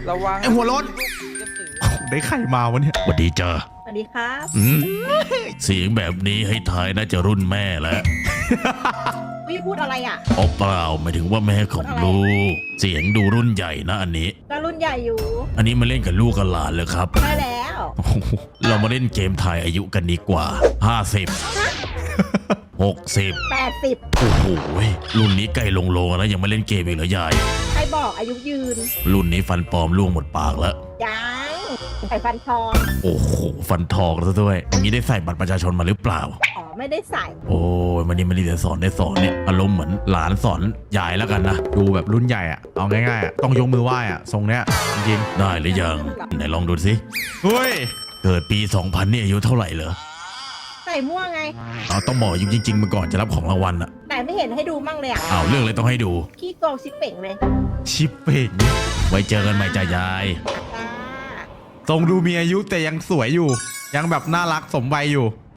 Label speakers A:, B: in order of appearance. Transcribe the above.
A: ระวัง
B: ไอ้หัวโล้น ได้ไข่มาวะเนี่ย
C: สวัสดีจ้า
D: สวัสดีครับ
C: เสียงแบบนี้ให้ทายน่าจะรุ่นแม่แล้ว
D: พี่พูดอะไรอ่ะ
C: อ๋อเปล่าหมายถึงว่าแม่ของลูก เสียงดูรุ่นใหญ่นะอันนี้
D: ก็รุ่นใหญ่อยู่
C: อันนี้มาเล่นกับลูกกับหลานเลยครับ
D: ใช่แล้ว
C: โอ้โหเรามาเล่นเกมทายอายุกันดีกว่า 50 60
D: 80
C: โอ้โหรุ่นนี้ใกล้ลงโลแล้วยังไม่เล่นเกมอีกเหรอยาย
D: ใครบอกอายุยืน
C: รุ่นนี้ฟันปลอมล่วงหมดปากแล้ว
D: ยังไข่ฟันทอง
C: โอ้โหฟันทองแล้วด้วยอย่างนี้ได้ใส่บัตรประชาชนมาหรือเปล่า
D: อ๋อไม่ได้ใส่
C: โอ้ยมันนี่เดี๋ยวสอนได้สอนเนี่ยอารมณ์เหมือนหลานสอนยายแล้วกันนะ
B: ดูแบบรุ่นใหญ่อะเอาง่ายๆอะต้องยกมือไหว้อะทรงเนี้ยจริง
C: ได้หรือยังไหนลองดูสิ
B: ๆเฮ้ย
C: เกิดปี 2000นี่อายุเท่าไหร่เหรอ
D: ใส่ม่วงไง
C: เอาต้องบอกอายุจริงๆมาก่อนจะรับของรางวัลอะ
D: แต่ไม่เห็นให้ดูมั่งเลยอ่ะ
C: อ้าวเรื่องอะไรต้องให้ดู
D: ขี้โกงชิปเป่งเลย
B: ชิปเป่ง
C: ไว้เจอกันใหม่จ้ายาย
D: จ้า
B: ทรงดูมีอายุแต่ยังสวยอยู่ ยังแบบน่ารักสมวัยอยู่